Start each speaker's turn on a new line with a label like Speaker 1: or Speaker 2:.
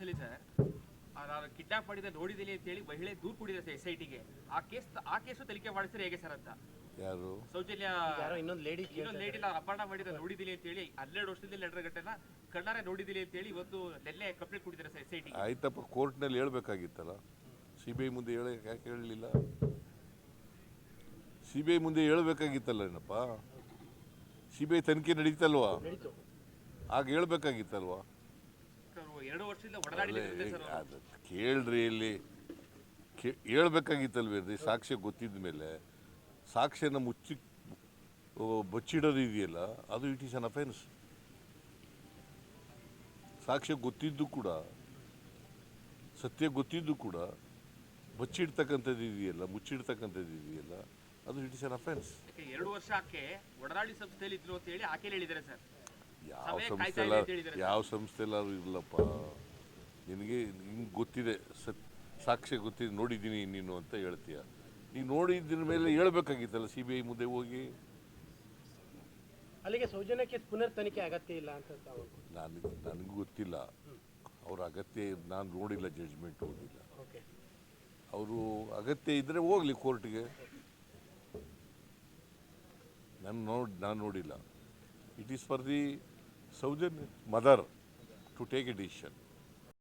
Speaker 1: ಕೇಸಲ್ಲಿ sir kidnap ಮಾಡಿದ ನೋಡಿದಿಲ್ಲ ಅಂತ ಹೇಳಿ ಮಹಿಳೆ ದೂರು ಕೊಟ್ಟಿದ್ದಾರೆ SITಗೆ. ಆ ಕೇಸು ತನಿಖೆ ಮಾಡಿಸಿದ್ರೆ ಹೇಗೆ ಸರ್ ಅಂತ.
Speaker 2: ಯಾರು
Speaker 1: ಸೌಜನ್ಯ ಇನ್ನೊಂದು ಲೇಡಿ ಅಪಹರಣ ಮಾಡಿದ ನೋಡಿದಿಲ್ಲ ಅಂತ ಹೇಳಿ 12 ವರ್ಷದಲ್ಲಿ ನಡೆದ ಘಟನೆ ಕಣ್ಣಾರೆ ನೋಡಿದಿಲ್ಲ ಅಂತ ಹೇಳಿ ಇವತ್ತು ನೆನ್ನೆ ಕಂಪ್ಲೇಂಟ್ ಕೊಟ್ಟಿದ್ದಾರೆ ಸರ್ SIT.
Speaker 2: ಆಯ್ತಪ್ಪ, ಕೋರ್ಟ್ನಲ್ಲಿ ಹೇಳ್ಬೇಕಾಗಿತ್ತಲ್ಲ. CBI ಮುಂದೆ ಯಾಕೆ ಹೇಳಲಿಲ್ಲ? CBI ಮುಂದೆ ಹೇಳ್ಬೇಕಾಗಿತ್ತಲ್ಲ ಏನಪ್ಪ. CBI ತನಿಖೆ ನಡೀತಲ್ವಾ, ಆಗ ಹೇಳ್ಬೇಕಾಗಿತ್ತಲ್ವಾ.
Speaker 1: 2 ವರ್ಷದಿಂದ ಒಡನಾಡಿದ್ದಾರೆ ಸರ್.
Speaker 2: ಕೇಳ್ರಿ, ಇಲ್ಲಿ ಹೇಳ್ಬೇಕಾಗಿತ್ತಲ್ವೇನ್ರಿ? ಸಾಕ್ಷ್ಯ ಗೊತ್ತಿದ್ದ ಮೇಲೆ ಸಾಕ್ಷ್ಯನ ಬಚ್ಚಿಡೋದು ಇದೆಯಲ್ಲ, ಅದು ಇಟ್ ಈಸ್ ಅನ್ ಅಫೆನ್ಸ್. ಸಾಕ್ಷ್ಯ ಗೊತ್ತಿದ್ದು ಕೂಡ, ಸತ್ಯ ಗೊತ್ತಿದ್ದು ಕೂಡ ಬಚ್ಚಿಡ್ತಕ್ಕಂಥದ್ದು ಇದೆಯಲ್ಲ, ಮುಚ್ಚಿಡ್ತಕ್ಕಂಥದ್ದು ಇದೆಯಲ್ಲ, ಅದು ಇಟ್ ಇಸ್ ಅನ್ ಅಫೆನ್ಸ್.
Speaker 1: 2 ವರ್ಷ ಆಕೆ ಒಡನಾಡಿ ಸಂಸ್ಥೆಯಲ್ಲಿ ಇದ್ರು ಅಂತ ಹೇಳಿ ಆಕೆ ಹೇಳಿದ್ದಾರೆ ಸರ್.
Speaker 2: ಯಾವ ಸಂಸ್ಥೆಲ್ಲಾದ್ರೂ ಇರಲಪ್ಪ, ನಿನಗೆ ಹಿಂಗೆ ಗೊತ್ತಿದೆ, ಸಾಕ್ಷ್ಯ ಗೊತ್ತಿದೆ, ನೋಡಿದ್ದೀನಿ ನೀನು ಅಂತ ಹೇಳ್ತೀಯ. ಈಗ ನೋಡಿದ್ದ ಮೇಲೆ ಹೇಳ್ಬೇಕಾಗಿತ್ತಲ್ಲ CBI ಮುಂದೆ ಹೋಗಿ.
Speaker 3: ಅಲ್ಲಿಗೆ ಸೌಜನ್ಯ ಕೇಸ್ ಪುನರ್ ತನಿಖೆ ಅಗತ್ಯ ಇಲ್ಲ ಅಂತ
Speaker 2: ನನಗೂ ಗೊತ್ತಿಲ್ಲ. ಅವ್ರ ಅಗತ್ಯ ನಾನು ನೋಡಿಲ್ಲ, ಜಡ್ಜ್ಮೆಂಟ್ ಓದಿಲ್ಲ. ಅವರು ಅಗತ್ಯ ಇದ್ದರೆ ಹೋಗಲಿ ಕೋರ್ಟ್ಗೆ. ನಾನು ನೋಡಿಲ್ಲ. It is for the Soujanya mother to take a decision.